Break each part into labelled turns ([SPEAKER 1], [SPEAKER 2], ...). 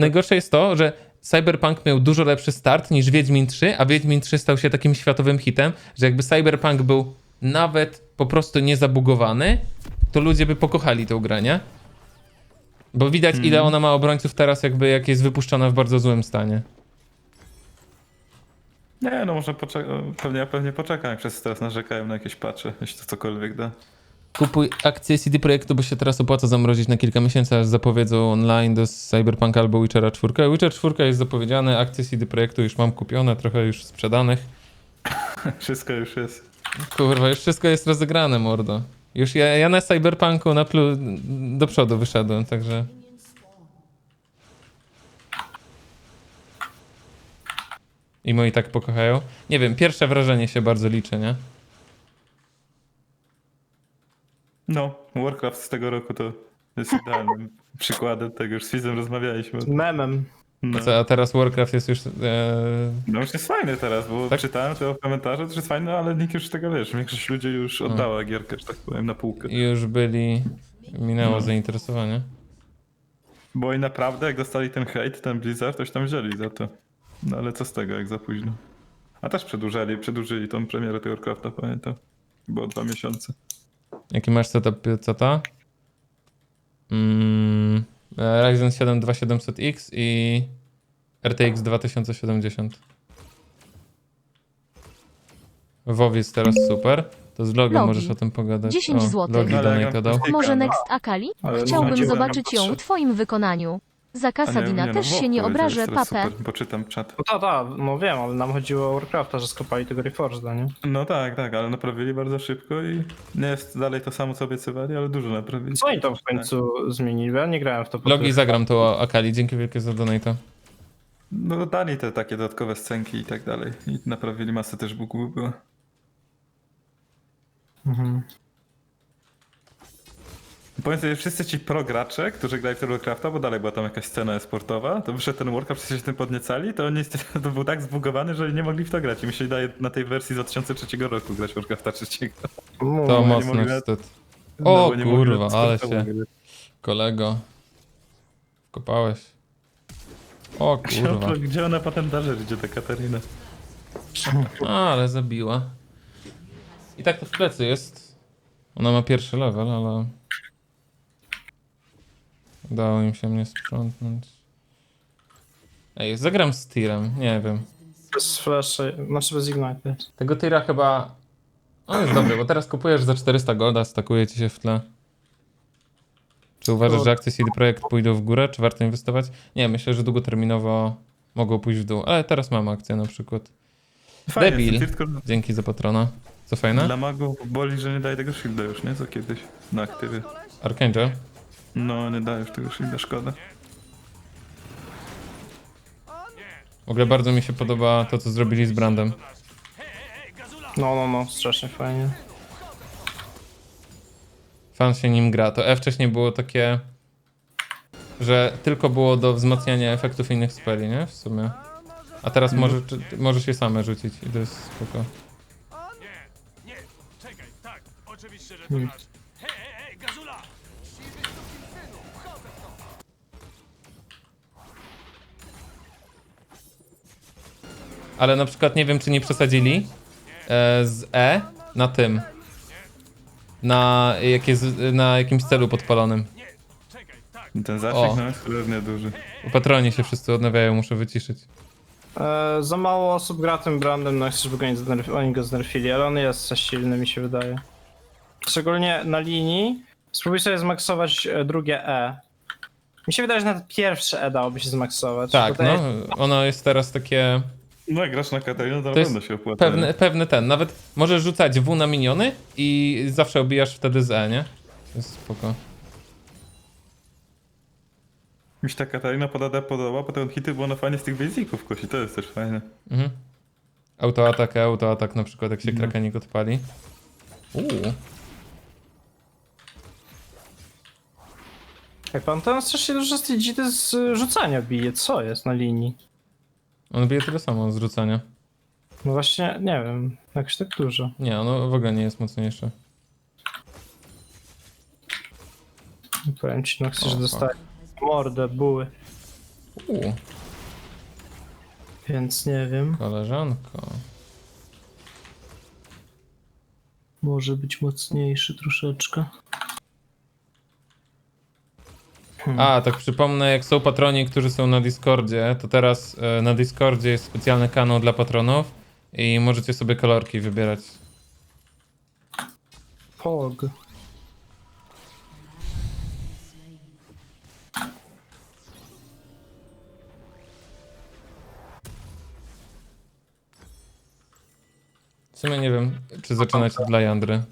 [SPEAKER 1] Najgorsze jest to, że Cyberpunk miał dużo lepszy start niż Wiedźmin 3, a Wiedźmin 3 stał się takim światowym hitem, że jakby Cyberpunk był nawet po prostu niezabugowany, to ludzie by pokochali tę grę, nie? Bo widać, ile ona ma obrońców teraz, jakby jak jest wypuszczona w bardzo złym stanie.
[SPEAKER 2] Nie, no może pewnie poczekam, jak wszyscy teraz narzekają na jakieś patche, jeśli to cokolwiek da.
[SPEAKER 1] Kupuj akcje CD Projektu, bo się teraz opłaca zamrozić na kilka miesięcy, aż zapowiedzą online do Cyberpunka albo Witchera 4. Witcher 4 jest zapowiedziany, akcje CD Projektu już mam kupione, trochę już sprzedanych.
[SPEAKER 2] Wszystko już jest.
[SPEAKER 1] Kurwa, już wszystko jest rozegrane, mordo. Już ja na Cyberpunku do przodu wyszedłem, także... I moi tak pokochają. Nie wiem, pierwsze wrażenie się bardzo liczy, nie?
[SPEAKER 2] No, Warcraft z tego roku to jest idealnym przykładem tego, już z Fizem rozmawialiśmy.
[SPEAKER 3] Memem.
[SPEAKER 2] No.
[SPEAKER 1] A teraz Warcraft jest już...
[SPEAKER 2] No już jest fajny teraz, bo
[SPEAKER 1] Tak?
[SPEAKER 2] czytałem to w komentarzu, to jest fajny, ale nikt już tego, wiesz, większość ludzi już oddała gierkę, że tak powiem, na półkę.
[SPEAKER 1] Już byli... Minęło
[SPEAKER 2] No.
[SPEAKER 1] zainteresowanie.
[SPEAKER 2] Bo i naprawdę, jak dostali ten hejt, ten Blizzard, toś tam wzięli za to. No ale co z tego, jak za późno. A też przedłużyli tą premierę tego Warcrafta, pamiętam. Było 2 miesiące.
[SPEAKER 1] Jaki masz setup PC-ta? Ryzen 7 2700X i RTX 2070. WoW jest teraz super. To z Logi
[SPEAKER 4] Logi.
[SPEAKER 1] możesz o tym pogadać.
[SPEAKER 4] 10
[SPEAKER 1] O,
[SPEAKER 4] złotych.
[SPEAKER 1] Logi
[SPEAKER 2] Ale
[SPEAKER 1] donate
[SPEAKER 2] jak
[SPEAKER 1] dał.
[SPEAKER 2] mam
[SPEAKER 4] Może
[SPEAKER 2] no.
[SPEAKER 4] Next Akali?
[SPEAKER 2] Ale
[SPEAKER 4] Chciałbym
[SPEAKER 2] no,
[SPEAKER 4] zobaczyć ją
[SPEAKER 2] patrzę.
[SPEAKER 4] w twoim wykonaniu. Za
[SPEAKER 2] A
[SPEAKER 4] Kasadina
[SPEAKER 2] nie,
[SPEAKER 4] też
[SPEAKER 2] no,
[SPEAKER 4] się nie
[SPEAKER 2] WoW
[SPEAKER 4] obrażę,
[SPEAKER 2] jest teraz
[SPEAKER 4] papę.
[SPEAKER 2] super, poczytam czat.
[SPEAKER 3] No no wiem, ale nam chodziło o Warcrafta, że skopali tego Reforgeda, nie?
[SPEAKER 2] No tak, ale naprawili bardzo szybko i nie jest dalej to samo, co obiecywali, ale dużo naprawili.
[SPEAKER 3] Co oni tam w końcu zmienili? Bo ja nie grałem w to. po
[SPEAKER 1] Logi
[SPEAKER 3] tych-
[SPEAKER 1] zagram to Akali. Dzięki wielkie za donate.
[SPEAKER 2] No dali te takie dodatkowe scenki i tak dalej. I naprawili masę też bugów było.
[SPEAKER 3] Mhm.
[SPEAKER 2] Powiem sobie, wszyscy ci pro gracze, którzy grali w tego Warcrafta, bo dalej była tam jakaś scena esportowa, to wyszedł ten Warcraft, wszyscy się tym podniecali, to oni to był tak zbugowany, że nie mogli w to grać i myśleli na tej wersji z 2003 roku grać Warcrafta 3.
[SPEAKER 1] To
[SPEAKER 2] nie
[SPEAKER 1] mocno
[SPEAKER 2] mogli-
[SPEAKER 1] wstyd.
[SPEAKER 2] No,
[SPEAKER 1] O
[SPEAKER 2] bo nie mogli
[SPEAKER 1] kurwa, ale
[SPEAKER 2] sportowo
[SPEAKER 1] się...
[SPEAKER 2] grać.
[SPEAKER 1] Kolego. Kopałeś. O kurwa.
[SPEAKER 2] Gdzie ona potem dalej idzie, ta Katarina?
[SPEAKER 1] Ale zabiła. I tak to w plecy jest. Ona ma pierwszy level, ale... Udało im się mnie sprzątnąć. Ej, zagram z tirem, nie wiem.
[SPEAKER 3] Bez flasha, znaczy bez ignite.
[SPEAKER 1] Tego tira chyba... On jest dobry, bo teraz kupujesz za 400 golda, stakuje ci się w tle. Czy uważasz, że akcje CD Projekt pójdą w górę, czy warto inwestować? Nie, myślę, że długoterminowo mogą pójść w dół, ale teraz mam akcję na przykład.
[SPEAKER 2] Fajnie,
[SPEAKER 1] Debil.
[SPEAKER 2] tylko
[SPEAKER 1] Dzięki za patrona. Co fajne?
[SPEAKER 2] dla magów boli, że nie daje tego shielda już, nie? Co kiedyś na aktywie.
[SPEAKER 1] Archangel.
[SPEAKER 2] No, nie daje już tego shielda, szkoda.
[SPEAKER 1] W ogóle bardzo mi się podoba to, co zrobili z Brandem.
[SPEAKER 3] No, strasznie fajnie.
[SPEAKER 1] Fan się nim gra. To E wcześniej było takie, że tylko było do wzmacniania efektów innych speli, nie? W sumie. A teraz możesz je same rzucić i to jest spoko. Ale na przykład nie wiem, czy nie przesadzili z E na tym. Na jakimś celu podpalonym.
[SPEAKER 2] Ten zasięg
[SPEAKER 1] O.
[SPEAKER 2] no, jest cholernie duży.
[SPEAKER 1] U patroni się wszyscy odnawiają, muszę wyciszyć.
[SPEAKER 3] Za mało osób gra tym brandem, no chcesz, by oni go znerfili, ale on jest za silny, mi się wydaje. Szczególnie na linii. Spróbuj sobie zmaksować drugie E. Mi się wydaje, że nawet pierwsze E dałoby się zmaksować.
[SPEAKER 1] Tak,
[SPEAKER 3] Bo to
[SPEAKER 1] no.
[SPEAKER 3] jest-
[SPEAKER 1] Ono jest teraz takie...
[SPEAKER 2] No jak grasz na Katarinę, to na
[SPEAKER 1] To jest
[SPEAKER 2] pewno się opłaca.
[SPEAKER 1] pewny ten. Nawet możesz rzucać W na miniony i zawsze obijasz wtedy z E, nie? To jest spoko.
[SPEAKER 2] Mi się ta Katarina podoba, potem hity, bo ona fajnie z tych basiców kosi, to jest też fajne.
[SPEAKER 1] Mhm. Autoatak na przykład, jak się krakenik odpali.
[SPEAKER 3] Jak pan tam strasznie dużo z tej dzity z rzucania bije, co jest na linii?
[SPEAKER 1] On bije tyle samo z rzucania.
[SPEAKER 3] No właśnie, nie wiem, jakoś tak dużo.
[SPEAKER 1] Nie, ono w ogóle nie jest mocniejsze.
[SPEAKER 3] Powiem ci, no chcesz
[SPEAKER 1] O,
[SPEAKER 3] dostać mordę, buły. Więc nie wiem.
[SPEAKER 1] Koleżanko.
[SPEAKER 3] Może być mocniejszy troszeczkę.
[SPEAKER 1] A, tak przypomnę, jak są patroni, którzy są na Discordzie, to teraz na Discordzie jest specjalny kanał dla patronów i możecie sobie kolorki wybierać.
[SPEAKER 3] Pog.
[SPEAKER 1] W sumie nie wiem, czy zaczynać od dla Jandry.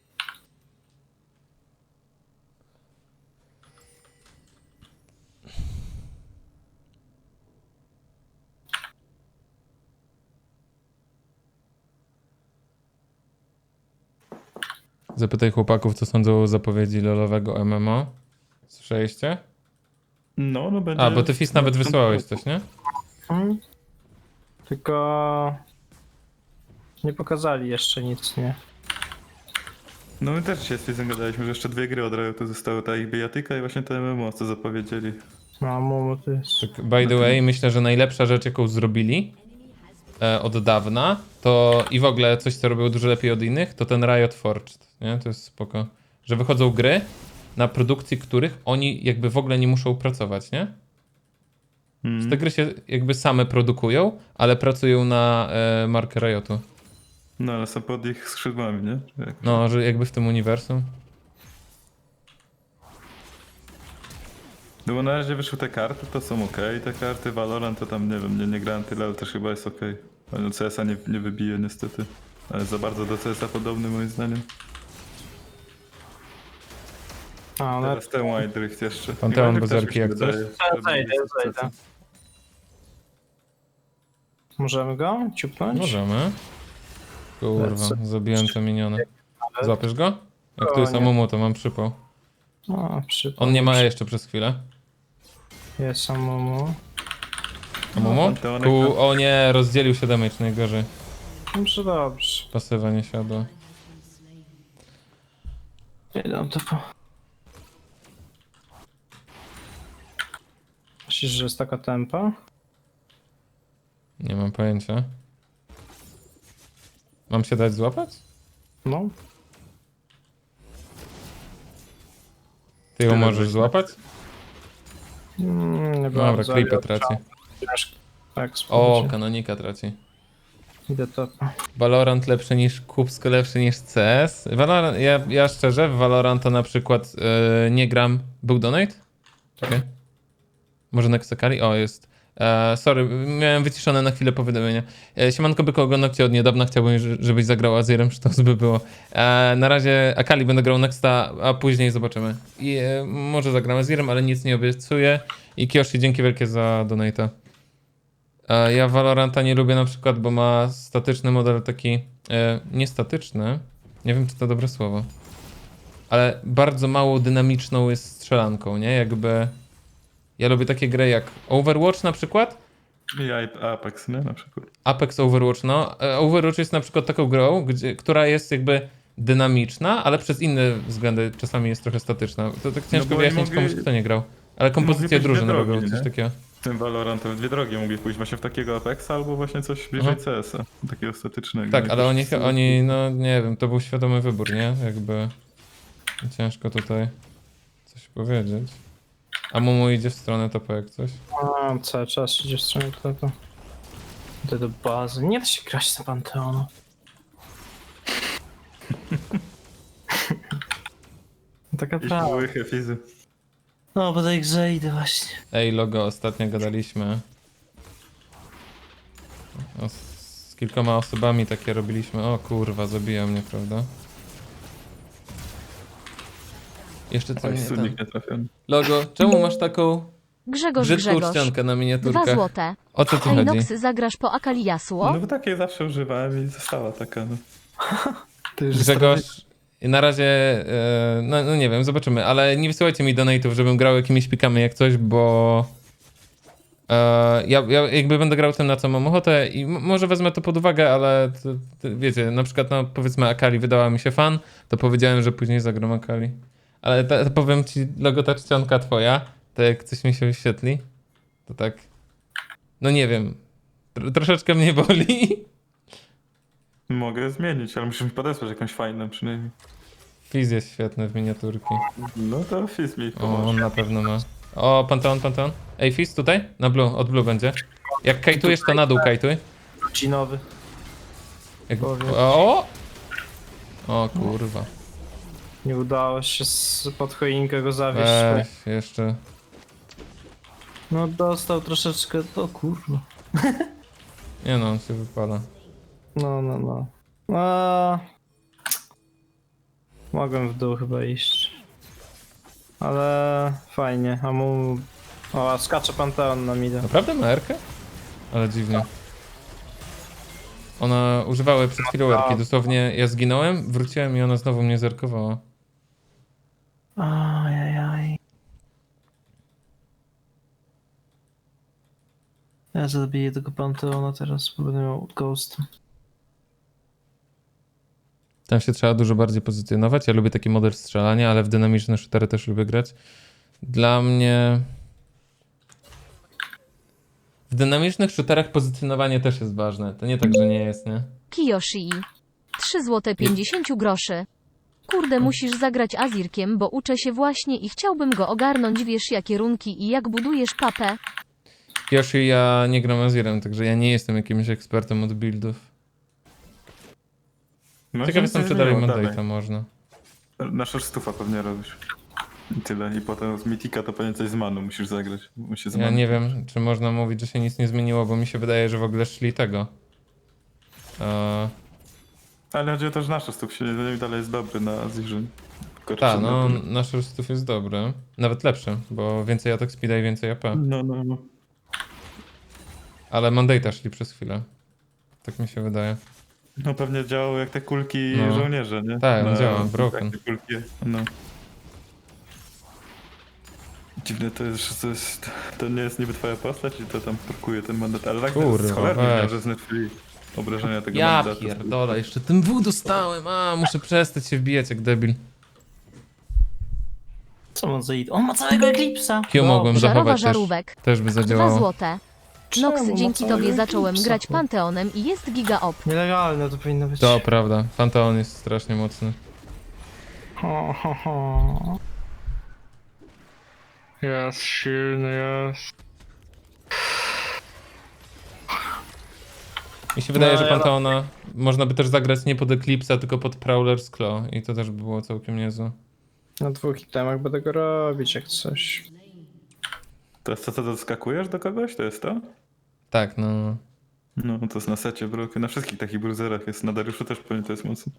[SPEAKER 1] Zapytaj chłopaków, co sądzą o zapowiedzi lolowego MMO. Słyszeliście?
[SPEAKER 2] No będzie...
[SPEAKER 1] A, bo ty Fis nawet wysłałeś coś, nie?
[SPEAKER 3] Tylko nie pokazali jeszcze nic, nie?
[SPEAKER 2] No my też się z Fizem gadaliśmy, że jeszcze 2 gry od Riotu zostały, ta ich bijatyka i właśnie te MMO, co zapowiedzieli.
[SPEAKER 3] No, Momo to jest.
[SPEAKER 1] Tak, by the way, myślę, że najlepsza rzecz, jaką zrobili od dawna, to i w ogóle coś, co robią dużo lepiej od innych, to ten Riot Forged, nie? To jest spoko. Że wychodzą gry, na produkcji których oni jakby w ogóle nie muszą pracować, nie? Że te gry się jakby same produkują, ale pracują na markę Riotu.
[SPEAKER 2] No ale są pod ich skrzydłami, nie?
[SPEAKER 1] No, że jakby w tym uniwersum.
[SPEAKER 2] No bo na razie wyszły te karty, to są ok, te karty Valorant to tam nie wiem, nie grałem tyle, ale też chyba jest ok. No CS-a nie wybije niestety, ale za bardzo do CS-a podobny moim zdaniem.
[SPEAKER 3] A, ale
[SPEAKER 2] Teraz ten Wild Rift jeszcze.
[SPEAKER 1] Panteon
[SPEAKER 2] I Wild Rift
[SPEAKER 1] bez
[SPEAKER 2] też mi się
[SPEAKER 1] erki jak coś?
[SPEAKER 2] wydaje, że
[SPEAKER 3] Zajdę,
[SPEAKER 2] będzie
[SPEAKER 3] zajdę.
[SPEAKER 2] sukcesem.
[SPEAKER 3] możemy go ciupnąć?
[SPEAKER 1] Możemy. Kurwa, zabiłem te miniony. Złapiesz go? Jak tu
[SPEAKER 3] O,
[SPEAKER 1] jest
[SPEAKER 3] nie.
[SPEAKER 1] Amumu, to mam przypał.
[SPEAKER 3] O,
[SPEAKER 1] On nie ma jeszcze przez chwilę.
[SPEAKER 3] Jest samomu.
[SPEAKER 1] Amumu?
[SPEAKER 2] Panteonek
[SPEAKER 1] Tu, o nie, rozdzielił się damage najgorzej.
[SPEAKER 3] Dobrze, dobrze.
[SPEAKER 1] Pasywa nie siadła.
[SPEAKER 3] Idę to po... Myślisz, że jest taka tempa?
[SPEAKER 1] Nie mam pojęcia. Mam się dać złapać?
[SPEAKER 3] No.
[SPEAKER 1] Ty ją
[SPEAKER 2] Tyle
[SPEAKER 1] możesz
[SPEAKER 2] właśnie.
[SPEAKER 1] złapać?
[SPEAKER 3] Nie
[SPEAKER 1] Dobra,
[SPEAKER 3] bardzo,
[SPEAKER 1] creepy
[SPEAKER 3] ale
[SPEAKER 1] traci.
[SPEAKER 3] Tak,
[SPEAKER 1] O,
[SPEAKER 3] spróbujcie.
[SPEAKER 1] kanonika traci.
[SPEAKER 3] Idę to.
[SPEAKER 1] Valorant lepszy niż Kupsko, lepszy niż CS. Valorant, ja szczerze, w Valoranta na przykład nie gram. Był donate? Czekaj. Może Nexakali? O, jest. Sorry, miałem wyciszone na chwilę powiadomienia. Siemanko Byko, oglądam cię od niedawna, chciałbym, żebyś zagrał Azirem, czy to by było. Na razie Akali będę grał Nexta, a później zobaczymy. I może zagram Azirem, ale nic nie obiecuję. I Kioshi, dzięki wielkie za donate'a. Ja Valoranta nie lubię na przykład, bo ma statyczny model taki, niestatyczny, nie wiem czy to dobre słowo, ale bardzo mało dynamiczną jest strzelanką, nie? Jakby, ja lubię takie gry jak Overwatch na przykład,
[SPEAKER 2] I Apex, nie? Na przykład.
[SPEAKER 1] Apex Overwatch, no. Overwatch jest na przykład taką grą, która jest jakby dynamiczna, ale przez inne względy czasami jest trochę statyczna. To tak ciężko
[SPEAKER 2] bo oni
[SPEAKER 1] wyjaśnić
[SPEAKER 2] mogli-
[SPEAKER 1] komuś, kto nie grał. Ale kompozycje
[SPEAKER 2] być
[SPEAKER 1] drużyny
[SPEAKER 2] drogi,
[SPEAKER 1] robią coś
[SPEAKER 2] nie?
[SPEAKER 1] takiego.
[SPEAKER 2] Tym Valorantem 2 drogi mogli pójść właśnie w takiego Apexa albo właśnie coś bliżej
[SPEAKER 1] Aha.
[SPEAKER 2] CS-a. Takiego statycznego.
[SPEAKER 1] Tak, ale
[SPEAKER 2] Jakoś
[SPEAKER 1] oni, no nie wiem, to był świadomy wybór, nie? Jakby ciężko tutaj coś powiedzieć. A Mumu idzie w stronę topa jak coś.
[SPEAKER 3] A, cały czas idzie w stronę tego. Idę do bazy. Nie da się grać na Panteonu. Taka
[SPEAKER 2] Jakieś
[SPEAKER 3] prawda.
[SPEAKER 2] łychy fizy.
[SPEAKER 3] No, bo do ich zejdę właśnie.
[SPEAKER 1] Ej, logo, ostatnio gadaliśmy. Z kilkoma osobami takie robiliśmy. O kurwa, zabija mnie, prawda? Jeszcze co
[SPEAKER 2] Oj,
[SPEAKER 1] nie ten.
[SPEAKER 2] studnik nie trafiony.
[SPEAKER 1] Logo, czemu masz taką
[SPEAKER 4] Grzegorz,
[SPEAKER 1] brzydką
[SPEAKER 4] Grzegorz.
[SPEAKER 1] czcionkę na
[SPEAKER 4] 2
[SPEAKER 1] miniaturkach?
[SPEAKER 4] złote.
[SPEAKER 1] O co tu chodzi?
[SPEAKER 4] Ejnox, zagrasz po Akali Jasło?
[SPEAKER 2] No bo takiej zawsze używałem i została taka, no.
[SPEAKER 1] Grzegorz, na razie, no nie wiem, zobaczymy, ale nie wysyłajcie mi donate'ów, żebym grał jakimiś pikami jak coś, bo ja jakby będę grał tym, na co mam ochotę i może wezmę to pod uwagę, ale wiecie, na przykład no powiedzmy Akali wydała mi się fan, to powiedziałem, że później zagram Akali. Ale powiem ci, logo ta czcionka twoja, to jak coś mi się wyświetli, To tak... No nie wiem. Troszeczkę mnie boli.
[SPEAKER 2] Mogę zmienić, ale musisz mi podesłać jakąś fajną przynajmniej.
[SPEAKER 1] Fizz jest świetny w miniaturki.
[SPEAKER 2] No to Fizz mi
[SPEAKER 1] O,
[SPEAKER 2] pomoże.
[SPEAKER 1] on na pewno ma. O, Panteon. Ej, Fizz tutaj? Na blue, od blue będzie. Jak kajtujesz, to na dół kajtuj.
[SPEAKER 3] Cinowy.
[SPEAKER 1] Jak...
[SPEAKER 3] Powiem.
[SPEAKER 1] O kurwa.
[SPEAKER 3] Nie udało się pod choinkę go zawieść.
[SPEAKER 1] Weź, jeszcze.
[SPEAKER 3] No dostał troszeczkę, to kurwa.
[SPEAKER 1] Nie no, on się wypala.
[SPEAKER 3] No. Mogłem w dół chyba iść. Ale fajnie, a mu... O, skacze Panteon na mida.
[SPEAKER 1] Naprawdę ma Erkę? Ale dziwnie. Ona używała przed chwilą Erki. Dosłownie ja zginąłem, wróciłem i ona znowu mnie zerkowała.
[SPEAKER 3] Ajajaj. Ja zabiję tego Panteona teraz, bo będę miał Ghost.
[SPEAKER 1] Tam się trzeba dużo bardziej pozycjonować. Ja lubię taki model strzelania, ale w dynamiczne shootery też lubię grać. Dla mnie... W dynamicznych shooterach pozycjonowanie też jest ważne. To nie tak, że nie jest, nie?
[SPEAKER 4] Kiyoshi. 3 zł 50 groszy. Kurde, musisz zagrać Azirkiem, bo uczę się właśnie i chciałbym go ogarnąć, wiesz jakie runki i jak budujesz papę.
[SPEAKER 1] Yoshi, ja nie gram Azirem, także ja nie jestem jakimś ekspertem od buildów.
[SPEAKER 2] No,
[SPEAKER 1] Ciekaw
[SPEAKER 2] nic
[SPEAKER 1] jestem,
[SPEAKER 2] nie
[SPEAKER 1] czy dalej
[SPEAKER 2] zmieniło,
[SPEAKER 1] Mandate'a można.
[SPEAKER 2] Na szorstówę pewnie robisz. I tyle. I potem z Mythika to pewnie coś z Manu musisz zagrać. Musi z
[SPEAKER 1] Ja
[SPEAKER 2] Manu.
[SPEAKER 1] nie wiem, czy można mówić, że się nic nie zmieniło, bo mi się wydaje, że w ogóle szli tego.
[SPEAKER 2] Ale chodzi o to, że nasz szorstów się nie zmienił, dalej jest dobry na Azirze.
[SPEAKER 1] Tak, no nasz rostów jest dobry. Nawet lepszy, bo więcej atak speeda i więcej AP.
[SPEAKER 2] No.
[SPEAKER 1] Ale Mandate'a szli przez chwilę. Tak mi się wydaje.
[SPEAKER 2] No pewnie działał jak te kulki
[SPEAKER 1] No.
[SPEAKER 2] żołnierze, nie?
[SPEAKER 1] Tak, on
[SPEAKER 2] Na-
[SPEAKER 1] działa, broken.
[SPEAKER 2] takie kulki, no. Dziwne to jest, że to nie jest niby twoja postać i to tam prokuje ten mandat, ale tak
[SPEAKER 1] Kurwa,
[SPEAKER 2] z cholerny,
[SPEAKER 1] weź.
[SPEAKER 2] że znerfili obrażenia tego
[SPEAKER 1] Ja
[SPEAKER 2] mandatu.
[SPEAKER 1] pierdolę, jeszcze ten W dostałem, muszę przestać się wbijać jak debil.
[SPEAKER 3] Co on za id? On ma całego Eclipse'a!
[SPEAKER 1] Q mogłem
[SPEAKER 4] Żarowa
[SPEAKER 1] zachować też,
[SPEAKER 4] żarówek.
[SPEAKER 1] też by
[SPEAKER 4] 2
[SPEAKER 1] zadziałało.
[SPEAKER 4] złote. Nox,
[SPEAKER 3] Czemu?
[SPEAKER 4] dzięki
[SPEAKER 3] Ma
[SPEAKER 4] tobie
[SPEAKER 3] całego
[SPEAKER 4] zacząłem
[SPEAKER 3] Eclipse'a,
[SPEAKER 4] grać
[SPEAKER 3] chłop.
[SPEAKER 4] Panteonem i jest giga op.
[SPEAKER 3] Nielegalne to powinno być.
[SPEAKER 1] To prawda, Panteon jest strasznie mocny.
[SPEAKER 3] Ho. Jest silny, jest.
[SPEAKER 1] Mi się wydaje,
[SPEAKER 3] No,
[SPEAKER 1] że
[SPEAKER 3] ja-
[SPEAKER 1] Panteona można by też zagrać nie pod Eclipse'a, tylko pod Prowler's Claw i to też by było całkiem niezłe.
[SPEAKER 3] Na 2 itemach będę go robić jak coś.
[SPEAKER 2] To jest to, co doskakujesz do kogoś? To jest to?
[SPEAKER 1] Tak, no.
[SPEAKER 2] No, to jest na secie broken. Na wszystkich takich bruzerach jest. Na Dariuszu też pewnie to jest mocno.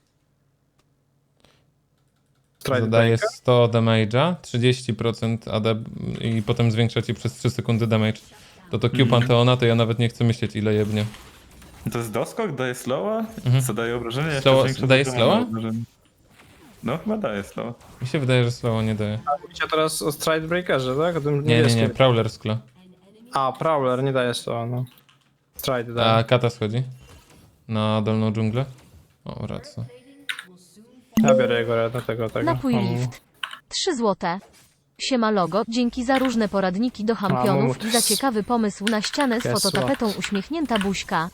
[SPEAKER 1] Zadaje 100 damage'a, 30% AD i potem zwiększa ci przez 3 sekundy damage. To Q Panteona, to ja nawet nie chcę myśleć ile jebnie.
[SPEAKER 2] To jest doskok? Daje slowa? Co daje obrażenie? Jeszcze
[SPEAKER 1] Slowa-
[SPEAKER 2] większe
[SPEAKER 1] daje
[SPEAKER 2] to
[SPEAKER 1] slowa?
[SPEAKER 2] obrażenie. No, chyba daje slowa.
[SPEAKER 1] Mi się wydaje, że slowo nie daje.
[SPEAKER 3] Mówicie teraz o Stride Breakerze, tak? O tym
[SPEAKER 1] Nie,
[SPEAKER 3] niebieskim.
[SPEAKER 1] Prowler's Claw.
[SPEAKER 3] A, Prowler nie daje słowa, no. Stride daje.
[SPEAKER 1] A Kata schodzi na dolną dżunglę. O, racja.
[SPEAKER 3] Ja biorę jego reda tego.
[SPEAKER 4] Napój
[SPEAKER 3] On-
[SPEAKER 4] lift. 3 złote. Siema logo, dzięki za różne poradniki do championów
[SPEAKER 3] A,
[SPEAKER 4] i za ciekawy pomysł na ścianę z
[SPEAKER 3] Kesła.
[SPEAKER 4] fototapetą uśmiechnięta buźka.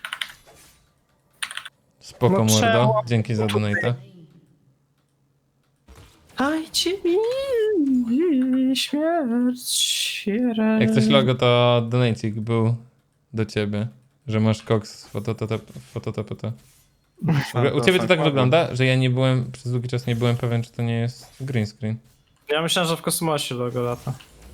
[SPEAKER 1] Spoko
[SPEAKER 3] No
[SPEAKER 1] mordo,
[SPEAKER 3] trzeba-
[SPEAKER 1] dzięki za donate.
[SPEAKER 3] Dajcie mi śmierć.
[SPEAKER 1] Jak coś logo, to donacik był do ciebie, że masz koks z fototapeta. U ciebie to tak wygląda, że ja nie byłem, przez długi czas nie byłem pewien, czy to nie jest green screen.
[SPEAKER 3] Ja myślałem, że w kosmosie logo lata.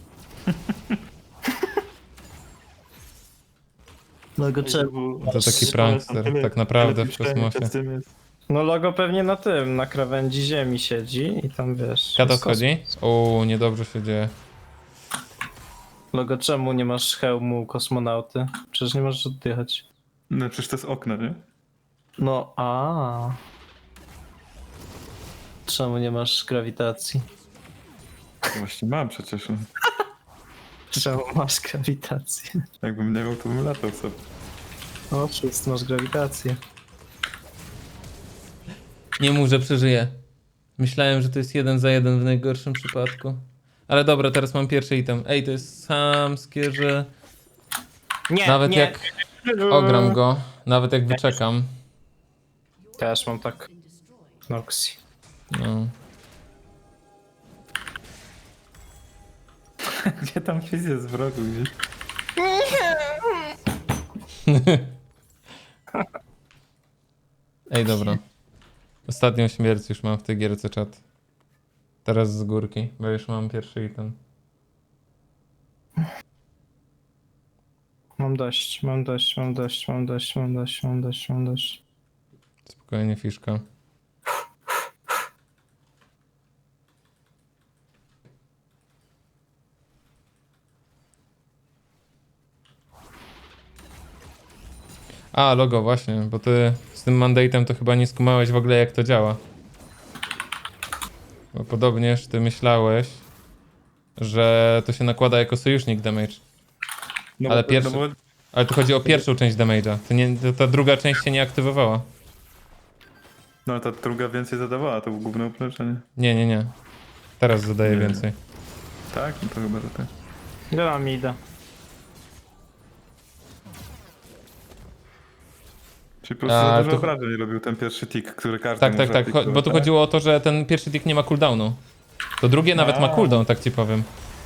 [SPEAKER 3] Logo czemu?
[SPEAKER 1] To taki prankster, tak naprawdę w kosmosie.
[SPEAKER 3] No logo pewnie na tym, na krawędzi ziemi siedzi i tam wiesz.
[SPEAKER 1] Kata
[SPEAKER 3] jest
[SPEAKER 1] schodzi? O, niedobrze się dzieje.
[SPEAKER 3] Logo czemu nie masz hełmu kosmonauty? Przecież nie możesz oddychać.
[SPEAKER 2] No przecież to jest okno, nie?
[SPEAKER 3] No a. Czemu nie masz grawitacji?
[SPEAKER 2] Właśnie mam przecież. No.
[SPEAKER 3] Czemu masz grawitację?
[SPEAKER 2] Jakbym nie miał, to bym latał sobie.
[SPEAKER 3] O, wszyscy masz grawitację.
[SPEAKER 1] Nie mów, że przeżyję. Myślałem, że to jest 1 za 1 w najgorszym przypadku. Ale dobra, teraz mam pierwszy item. Ej, to jest samskie, że
[SPEAKER 3] Nie,
[SPEAKER 1] nawet
[SPEAKER 3] nie.
[SPEAKER 1] jak ogram go, nawet jak wyczekam.
[SPEAKER 3] Też mam tak. Noxy.
[SPEAKER 1] No.
[SPEAKER 2] Gdzie tam quiz jest w rogu gdzieś?
[SPEAKER 1] Ej, dobra. Ostatnią śmierć już mam w tej gierce, czat. Teraz z górki, bo już mam pierwszy item.
[SPEAKER 3] Mam dość, mam dość, mam dość, mam dość, mam dość, mam dość, mam dość.
[SPEAKER 1] Spokojnie, fiszka. A, logo, właśnie, bo ty z tym mandatem to chyba nie skumałeś w ogóle jak to działa. Bo podobnież ty myślałeś, że to się nakłada jako sojusznik damage.
[SPEAKER 2] No,
[SPEAKER 1] Ale
[SPEAKER 2] bo-
[SPEAKER 1] pierwszy-
[SPEAKER 2] No, bo,
[SPEAKER 1] Ale tu chodzi o pierwszą część damage'a. To ta druga część się nie aktywowała.
[SPEAKER 2] no ta druga więcej zadawała, to było główne uproszczenie.
[SPEAKER 1] Nie, nie, nie. Teraz zadaję
[SPEAKER 2] Nie.
[SPEAKER 1] więcej.
[SPEAKER 2] Tak? No to chyba, że tak.
[SPEAKER 3] Ile nam idę?
[SPEAKER 2] Czyli po prostu
[SPEAKER 1] A,
[SPEAKER 2] za dużo
[SPEAKER 1] to-
[SPEAKER 2] obrażeń robił ten pierwszy tick, który każdy
[SPEAKER 1] Tak,
[SPEAKER 2] może
[SPEAKER 1] tak, tak.
[SPEAKER 2] aplikować,
[SPEAKER 1] Bo tu
[SPEAKER 2] tak?
[SPEAKER 1] chodziło o to, że ten pierwszy tick nie ma cooldownu. To drugie nawet ma
[SPEAKER 2] A.
[SPEAKER 1] cooldown, tak ci powiem.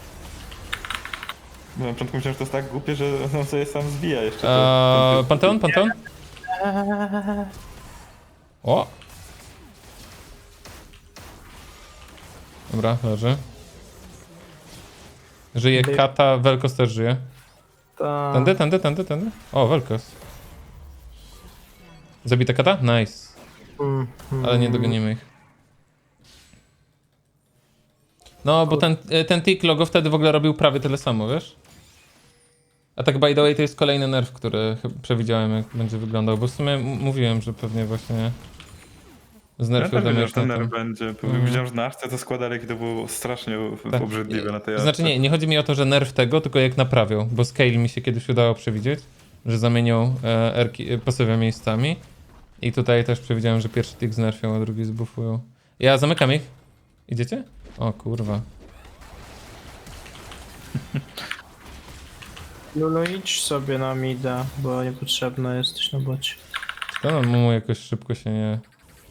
[SPEAKER 2] Bo na początku myślałem, że to jest tak głupie, że on sobie sam zbija jeszcze. ten
[SPEAKER 1] Panteon, Panteon? O! Dobra, leży. Żyje Kata, Velkos też żyje.
[SPEAKER 3] Ta...
[SPEAKER 1] Tędy. O, Velkos. Zabita Kata? Nice. Ale nie dogonimy ich. No, bo ten tick logo wtedy w ogóle robił prawie tyle samo, wiesz? A tak by the way to jest kolejny nerf, który przewidziałem jak będzie wyglądał, bo w sumie mówiłem, że pewnie właśnie
[SPEAKER 2] Ja
[SPEAKER 1] znerfił
[SPEAKER 2] też wiedziałem,
[SPEAKER 1] damage
[SPEAKER 2] że ten
[SPEAKER 1] na
[SPEAKER 2] nerw
[SPEAKER 1] tym.
[SPEAKER 2] będzie. Widziałem, że na Arce to składali i to było strasznie
[SPEAKER 1] Tak.
[SPEAKER 2] obrzydliwe na tej
[SPEAKER 1] To znaczy
[SPEAKER 2] Arce.
[SPEAKER 1] nie chodzi mi o to, że nerf tego, tylko jak naprawią, bo Scale mi się kiedyś udało przewidzieć, że zamienią pasywę miejscami i tutaj też przewidziałem, że pierwszy tick znerfią, a drugi zbuffują. Ja zamykam ich. Idziecie? O kurwa.
[SPEAKER 3] Lulu, idź sobie na mida, bo niepotrzebna jesteś na bocie.
[SPEAKER 1] To no, mu jakoś szybko się nie...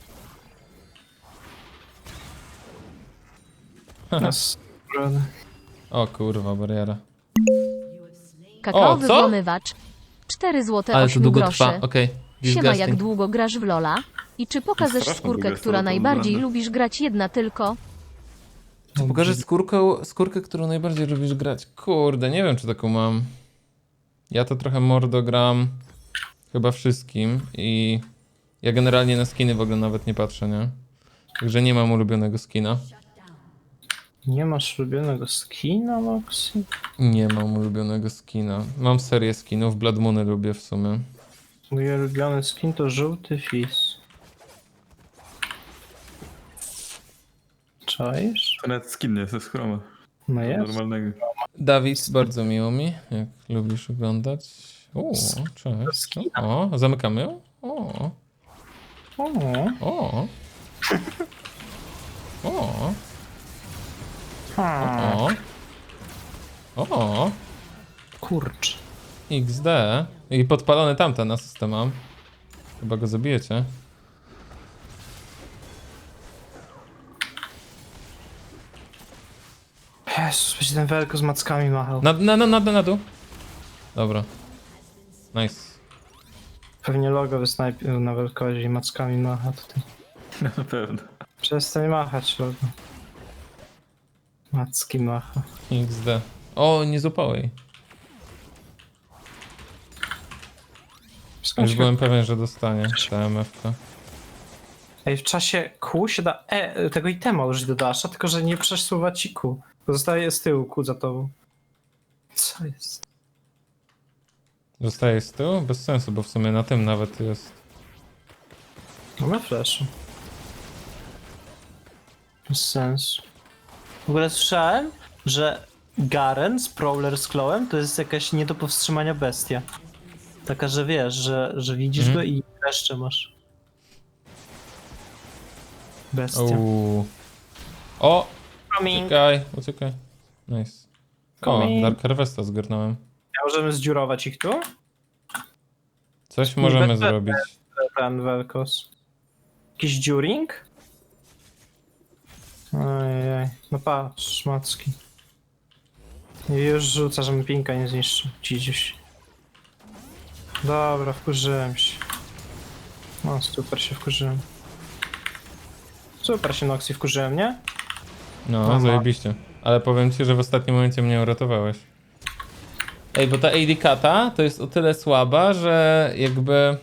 [SPEAKER 3] Jest, prawda.
[SPEAKER 1] O kurwa, bariera.
[SPEAKER 4] Kakaowy
[SPEAKER 1] O, co?
[SPEAKER 4] włamywacz. 4 złote
[SPEAKER 1] Ale to
[SPEAKER 4] 8
[SPEAKER 1] długo
[SPEAKER 4] groszy.
[SPEAKER 1] trwa, okej.
[SPEAKER 4] Siema, jak
[SPEAKER 1] Disgusting.
[SPEAKER 4] długo grasz w Lola? I czy pokażesz
[SPEAKER 2] Strasznie
[SPEAKER 4] skórkę,
[SPEAKER 2] długo jest
[SPEAKER 4] która
[SPEAKER 2] to
[SPEAKER 4] najbardziej
[SPEAKER 2] wygląda.
[SPEAKER 4] lubisz grać jedna tylko?
[SPEAKER 1] Czy pokażesz skórkę, którą najbardziej lubisz grać? Kurde, nie wiem czy taką mam. Ja to trochę mordo gram chyba wszystkim i ja generalnie na skiny w ogóle nawet nie patrzę, nie? Także nie mam ulubionego skina.
[SPEAKER 3] Nie masz ulubionego skina, Noxy?
[SPEAKER 1] Nie mam ulubionego skina. Mam serię skinów, Blood Moony lubię w sumie.
[SPEAKER 3] Mój ulubiony skin to żółty fizz. Czaisz?
[SPEAKER 2] To nawet skin nie jest z chroma.
[SPEAKER 3] No jest.
[SPEAKER 2] Normalnego.
[SPEAKER 1] Dawid, bardzo miło mi, jak lubisz oglądać. O, cześć. O, zamykamy ją? O,
[SPEAKER 3] O,
[SPEAKER 1] o. O,
[SPEAKER 3] ha,
[SPEAKER 1] o.
[SPEAKER 3] kurcz.
[SPEAKER 1] XD. I podpalony tamten na system mam. Chyba go zabijecie.
[SPEAKER 3] Jezus, będzie ten Welko z mackami machał.
[SPEAKER 1] Na dół. Dobra. Nice.
[SPEAKER 3] Pewnie logo wysnajpił na Welkozie i mackami macha tutaj.
[SPEAKER 2] Na pewno.
[SPEAKER 3] Przestań machać logo. Macki macha.
[SPEAKER 1] XD. O, nie złapał jej.
[SPEAKER 3] Skąd
[SPEAKER 1] Już
[SPEAKER 3] się...
[SPEAKER 1] byłem pewien, że dostanie ta MF-ka.
[SPEAKER 3] Ej, w czasie Q się da tego itema użyć do dasza, tylko że nie przesuwa ci Q. Zostaje z tyłu Q za tobą. Co jest?
[SPEAKER 1] Zostaje z tyłu? Bez sensu, bo w sumie na tym nawet jest.
[SPEAKER 3] Mamy flash. Bez sensu. W ogóle słyszałem, że Garen z Prowler z Clawem to jest jakaś nie do powstrzymania bestia. Taka, że wiesz, że widzisz go i jeszcze masz. Bestia.
[SPEAKER 1] Uuu. O!
[SPEAKER 3] Coming.
[SPEAKER 1] Uciekaj. Nice. O,
[SPEAKER 3] Coming.
[SPEAKER 1] Dark Harvesta zgarnąłem.
[SPEAKER 3] Możemy zdziurować ich tu?
[SPEAKER 1] Coś możemy
[SPEAKER 3] Niby-
[SPEAKER 1] zrobić.
[SPEAKER 3] Ten Velkos. Jakiś dziuring? Ojej, no patrz, szmacki. I już rzuca, żebym pinka nie zniszczył. Dziś. Dobra, wkurzyłem się. No, super się wkurzyłem. Super się Noxy wkurzyłem, nie?
[SPEAKER 1] No,
[SPEAKER 3] Aha.
[SPEAKER 1] zajebiście. Ale powiem ci, że w ostatnim momencie mnie uratowałeś. Ej, bo ta AD Kata to jest o tyle słaba, że jakby...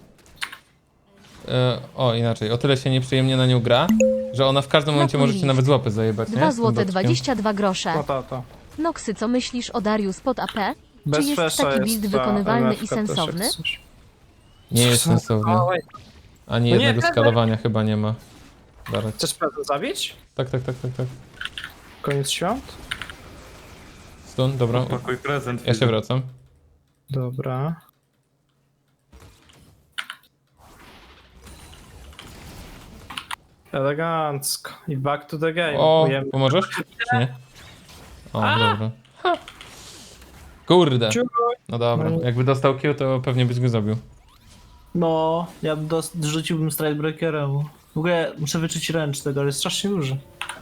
[SPEAKER 1] inaczej, o tyle się nieprzyjemnie na nią gra, że ona w każdym momencie może ci nawet z łapy zajebać, nie?
[SPEAKER 4] 2
[SPEAKER 1] Z tym
[SPEAKER 4] złote
[SPEAKER 1] dotykiem.
[SPEAKER 4] 22 grosze.
[SPEAKER 3] No to.
[SPEAKER 4] Noxy, co myślisz o Darius pod AP?
[SPEAKER 3] Bez
[SPEAKER 4] Czy jest
[SPEAKER 3] flasha
[SPEAKER 4] taki build
[SPEAKER 3] jest ta
[SPEAKER 4] wykonywalny
[SPEAKER 3] MF-ka
[SPEAKER 4] i
[SPEAKER 3] też jak
[SPEAKER 4] sensowny?
[SPEAKER 3] coś.
[SPEAKER 1] Nie jest sensowny.
[SPEAKER 3] Oj,
[SPEAKER 1] Ani
[SPEAKER 3] No nie,
[SPEAKER 1] jednego
[SPEAKER 3] Pedro.
[SPEAKER 1] skalowania chyba nie ma. Darek.
[SPEAKER 3] chcesz pewno zabić?
[SPEAKER 1] Tak.
[SPEAKER 3] Koniec świąt?
[SPEAKER 1] Stun, dobra.
[SPEAKER 2] Pakuj prezent.
[SPEAKER 1] Ja się wracam.
[SPEAKER 3] Dobra. Elegancko. I back to the game.
[SPEAKER 1] O,
[SPEAKER 3] Ujemy.
[SPEAKER 1] pomożesz? Czy nie? O, dobra. Kurde.
[SPEAKER 3] Ciu.
[SPEAKER 1] No dobra,
[SPEAKER 3] No.
[SPEAKER 1] jakby dostał kill, to pewnie byś go zabił.
[SPEAKER 5] No, ja bym rzuciłbym Stridebreakerem. W ogóle muszę wyczuć ręcz tego, ale jest strasznie duży.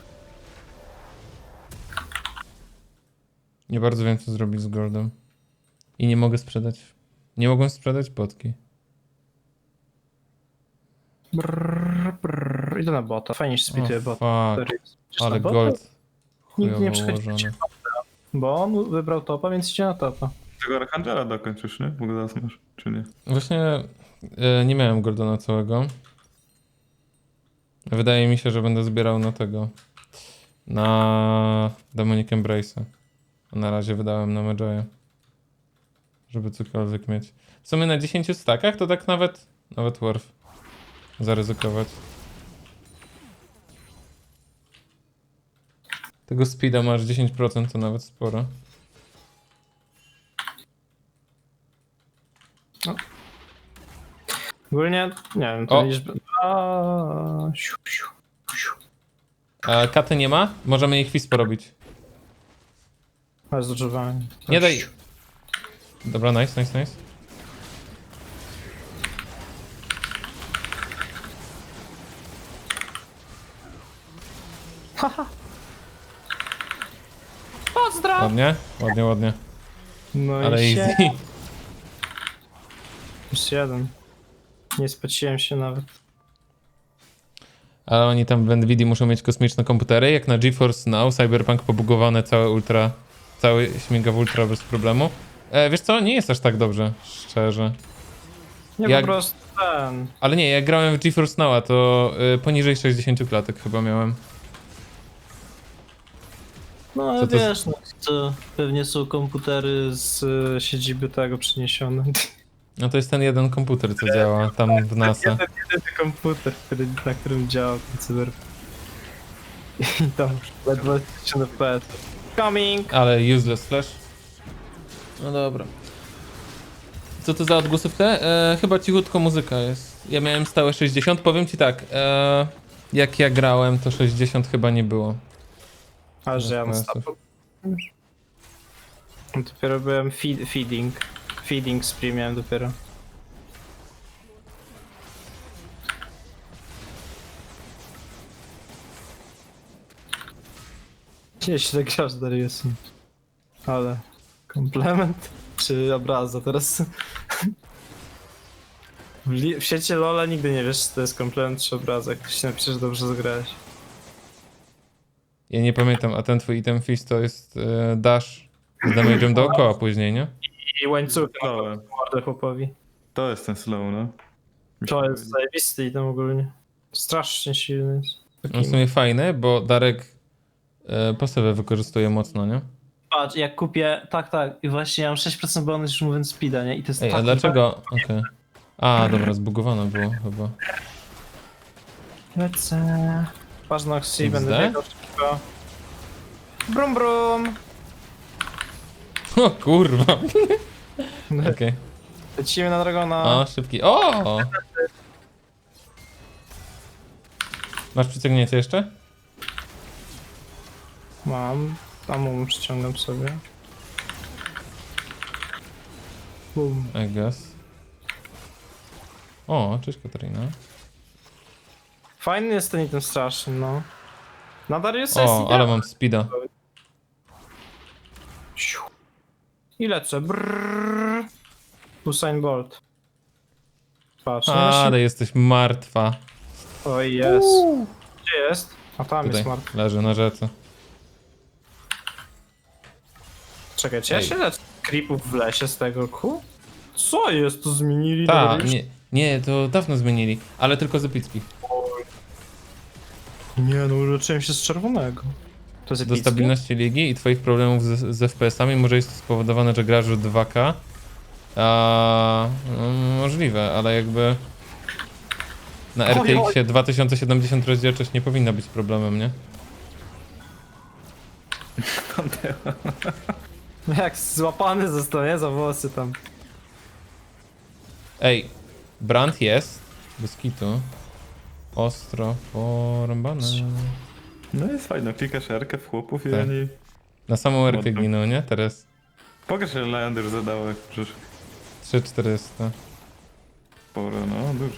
[SPEAKER 1] Nie bardzo wiem, co zrobić z Goldem. I nie mogę sprzedać. Nie mogłem sprzedać potki.
[SPEAKER 3] Brrr. Idę na bota. Fajnie się splituje bota.
[SPEAKER 1] Fuck,
[SPEAKER 3] Na
[SPEAKER 1] ale
[SPEAKER 3] bota?
[SPEAKER 1] Gold
[SPEAKER 3] Nikt nie
[SPEAKER 1] chujowo
[SPEAKER 3] przychodzi
[SPEAKER 1] ułożony.
[SPEAKER 3] Bo on wybrał topa, więc idzie na topa.
[SPEAKER 2] Tego Archangela dokończysz, nie? Bo go zaraz masz, czy nie?
[SPEAKER 1] Właśnie nie miałem Goldona całego. Wydaje mi się, że będę zbierał na tego. Na Demonic Embrace'a. A na razie wydałem na Medjaya. Żeby cokolwiek mieć. W sumie na 10 stakach to tak nawet worth zaryzykować. Tego speeda masz 10%, to nawet sporo.
[SPEAKER 3] Ogólnie, nie wiem, to
[SPEAKER 1] O.
[SPEAKER 3] liczby... Siu, siu, siu.
[SPEAKER 1] A katy nie ma? Możemy jej chwist porobić.
[SPEAKER 3] Ale zdrożowanie.
[SPEAKER 1] Nie daj. Dobra, nice.
[SPEAKER 3] Pozdraw!
[SPEAKER 1] Ładnie.
[SPEAKER 3] No
[SPEAKER 1] Ale
[SPEAKER 3] i się...
[SPEAKER 1] easy.
[SPEAKER 3] Plus jeden. Nie spociłem się nawet.
[SPEAKER 1] Ale oni tam w Nvidia muszą mieć kosmiczne komputery, jak na GeForce Now, Cyberpunk pobugowane cały śmiga w ultra bez problemu. Wiesz co, nie jest aż tak dobrze, szczerze.
[SPEAKER 3] Nie,
[SPEAKER 1] Jak-
[SPEAKER 3] po prostu ten...
[SPEAKER 1] Ale nie, jak grałem w GeForce Now'a, to poniżej 60 klatek chyba miałem.
[SPEAKER 5] No ale
[SPEAKER 1] Co to
[SPEAKER 5] wiesz, no, to pewnie są komputery z...
[SPEAKER 3] siedziby tego przeniesione.
[SPEAKER 1] No to jest ten jeden komputer, co działa tam w NASA.
[SPEAKER 3] Jedyny komputer, na którym działa ten cyberpunk. I tam ledwo 1000 FPS. Coming!
[SPEAKER 1] Ale useless flash. No dobra. Co to za odgłosówkę? Chyba cichutko muzyka jest. Ja miałem stałe 60. Powiem ci tak, jak ja grałem, to 60 chyba nie było.
[SPEAKER 3] A że ja na
[SPEAKER 1] FPS-ów.
[SPEAKER 3] stopu. Dopiero byłem feeding spree miałem dopiero. Jeśli tak grasz Dariusem. Ale... Komplement? Czy obraza teraz? W sieci Lola nigdy nie wiesz, czy to jest komplement czy obraza. Jak ktoś napisze, że dobrze zagrałeś.
[SPEAKER 1] Ja nie pamiętam, a ten twój item fist to jest dash z damage'em dookoła później, nie?
[SPEAKER 3] I łańcuchy na
[SPEAKER 2] Slowe.
[SPEAKER 3] mordę chłopowi.
[SPEAKER 2] To jest ten slow, no. Mi się
[SPEAKER 3] To
[SPEAKER 2] wydaje.
[SPEAKER 3] jest zajebisty item ogólnie. Strasznie silny jest.
[SPEAKER 1] On w sumie fajny, bo Darek pasywę wykorzystuje mocno, nie?
[SPEAKER 5] Patrz, jak kupię... Tak, i właśnie ja mam 6% bonus już mówiąc speeda, nie? I to jest
[SPEAKER 1] Ej,
[SPEAKER 5] tak...
[SPEAKER 1] a dlaczego? Okej. A, dobra, zbugowane było chyba.
[SPEAKER 3] Lecę. Patrz na Xi,
[SPEAKER 1] XD?
[SPEAKER 3] będę biegał szybko. Brum brum!
[SPEAKER 1] O kurwa. Okej.
[SPEAKER 3] Lecimy na Dragona.
[SPEAKER 1] O, szybki. O! Masz przyciągnięcie jeszcze?
[SPEAKER 3] Mam. Tam przyciągam sobie. Bum.
[SPEAKER 1] I guess. O, cześć Katarina.
[SPEAKER 3] Fajny jest ten item straszny, no. Nadal jest
[SPEAKER 1] O, ale mam speeda.
[SPEAKER 3] I lecę. Brrr. Usain Bolt. Patrz, no
[SPEAKER 1] Ale jesteś martwa.
[SPEAKER 3] Oj, jest. Gdzie jest? A tam
[SPEAKER 1] Tutaj
[SPEAKER 3] jest martwy.
[SPEAKER 1] leży na rzece.
[SPEAKER 3] Czekaj, czy ja
[SPEAKER 1] Ej.
[SPEAKER 3] się lecę creepów w lesie z tego ku? Co jest? To zmienili?
[SPEAKER 1] Ta,
[SPEAKER 3] Dobra, już?
[SPEAKER 1] nie, to dawno zmienili, ale tylko z epicki.
[SPEAKER 3] Nie, no uleczyłem się z czerwonego. To jest
[SPEAKER 1] Do
[SPEAKER 3] epickie?
[SPEAKER 1] stabilności ligi i twoich problemów z FPS-ami może jest to spowodowane, że grasz w 2K. Możliwe, ale jakby na
[SPEAKER 3] Oj,
[SPEAKER 1] RTX-ie 2070 rozdzielczość nie powinna być problemem, nie?
[SPEAKER 3] Jak złapany zostanie za włosy tam.
[SPEAKER 1] Ej, brand jest, bez kitu. Ostro porąbane.
[SPEAKER 2] No jest fajno, klikasz R-kę w chłopów i
[SPEAKER 1] Tak.
[SPEAKER 2] oni...
[SPEAKER 1] Na samą erkę
[SPEAKER 2] Ładno.
[SPEAKER 1] giną, nie? Teraz
[SPEAKER 2] Pokaż ile Leander zadało, jak przecież
[SPEAKER 1] 3400.
[SPEAKER 2] sporo, no dużo.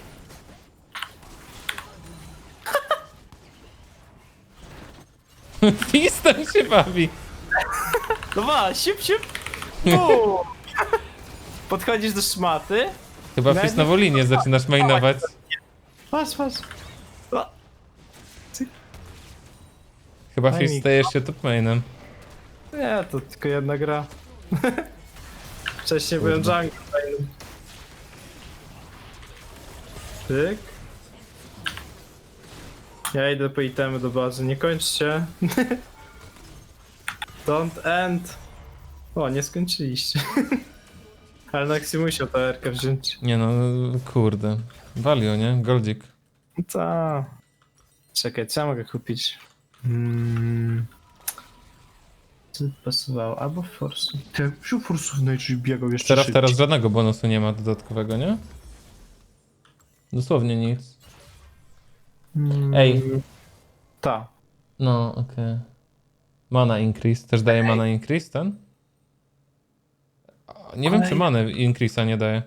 [SPEAKER 1] Fistem się bawi.
[SPEAKER 3] No ma, siup, siup. Bum. Podchodzisz do szmaty.
[SPEAKER 1] Chyba
[SPEAKER 3] Nawet
[SPEAKER 1] Fist na Wolinie zaczynasz mainować.
[SPEAKER 3] Patrz, patrz. O,
[SPEAKER 1] Chyba
[SPEAKER 3] Daj
[SPEAKER 1] Fist
[SPEAKER 3] mi-
[SPEAKER 1] stajesz się top mainem.
[SPEAKER 3] nie, to tylko jedna gra. Wcześniej byłem
[SPEAKER 1] Kurde.
[SPEAKER 3] jungle fajnym. Tyk. Ja idę po itemy do bazy, nie kończcie. Don't end. O, nie skończyliście. Ale Naxi musiał tę erkę wziąć.
[SPEAKER 1] Nie no, kurde. Value, nie? Goldzik.
[SPEAKER 3] Ta. Czekaj, co ja mogę kupić? Co by pasowało? Albo Force. Ty, wziął Force'ów najczęściej biegał jeszcze
[SPEAKER 1] Teraz żadnego bonusu nie ma dodatkowego, nie? Dosłownie nic. Ej.
[SPEAKER 3] Ta.
[SPEAKER 1] No, okej. Mana increase. Też daje mana increase ten? Nie wiem, czy mana increase'a nie daje.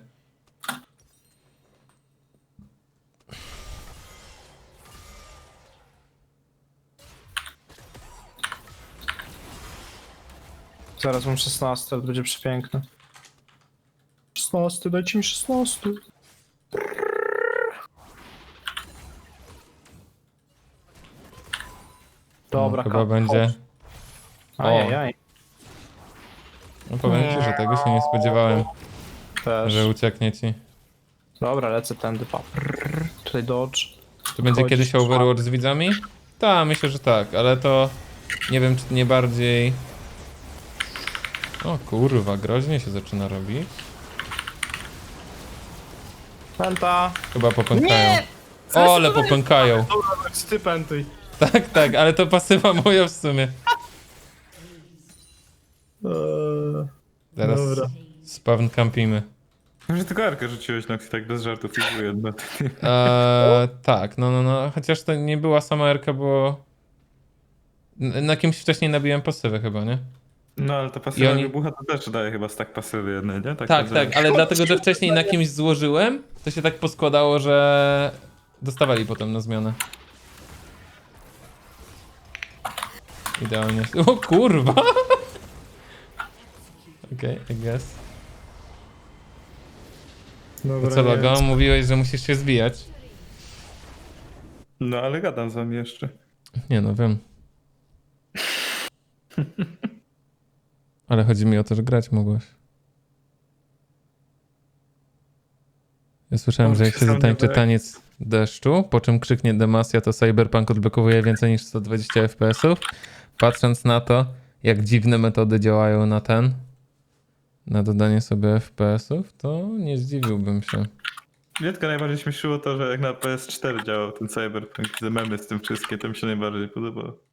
[SPEAKER 3] Zaraz mam 16, ale będzie przepiękne. 16, dajcie mi 16. Dobra,
[SPEAKER 1] No, chyba będzie.
[SPEAKER 3] Ajajaj.
[SPEAKER 1] No powiem ci, że tego się nie spodziewałem,
[SPEAKER 3] Też.
[SPEAKER 1] że ucieknie ci.
[SPEAKER 3] Dobra, lecę tędy, pa. Tutaj dodge.
[SPEAKER 1] Czy będzie
[SPEAKER 3] Chodzi.
[SPEAKER 1] kiedyś Overwatch z widzami? Tak, myślę, że tak, ale to nie wiem, czy nie bardziej... O kurwa, groźnie się zaczyna robić.
[SPEAKER 3] Penta.
[SPEAKER 1] Chyba popękają.
[SPEAKER 3] Nie!
[SPEAKER 1] O, ale popękają.
[SPEAKER 3] Dobra, ty pentuj.
[SPEAKER 1] Tak, ale to pasywa moja w sumie. Teraz
[SPEAKER 3] Dobra.
[SPEAKER 1] spawn campimy.
[SPEAKER 2] Może tylko R-kę rzuciłeś, no tak bez żartów, i jedno.
[SPEAKER 1] Tak, no. Chociaż to nie była sama erka, bo... Na kimś wcześniej nabiłem pasywę chyba, nie?
[SPEAKER 2] No ale to pasywa
[SPEAKER 1] oni-
[SPEAKER 2] wybucha to też daje chyba stack pasywy jednej, nie?
[SPEAKER 1] Tak, ale dlatego, że wcześniej na kimś złożyłem, to się tak poskładało, że dostawali potem na zmianę. Idealnie. O kurwa! Okej, I guess.
[SPEAKER 3] Dobra,
[SPEAKER 1] To co,
[SPEAKER 3] nie
[SPEAKER 1] Logo?
[SPEAKER 3] wiem.
[SPEAKER 1] Mówiłeś, że musisz się zbijać.
[SPEAKER 2] No ale gadam z wami jeszcze.
[SPEAKER 1] Nie no, wiem. Ale chodzi mi o to, że grać mogłeś. Ja słyszałem, że jak się zatańczy taniec deszczu, po czym krzyknie Demacia, to Cyberpunk odblokowuje więcej niż 120 FPS-ów. Patrząc na to, jak dziwne metody działają na dodanie sobie FPS-ów, to nie zdziwiłbym się.
[SPEAKER 2] Mnie tylko najbardziej śmieszyło to, że jak na PS4 działał ten Cyberpunk, te memy z tym wszystkim, to mi się najbardziej podobało.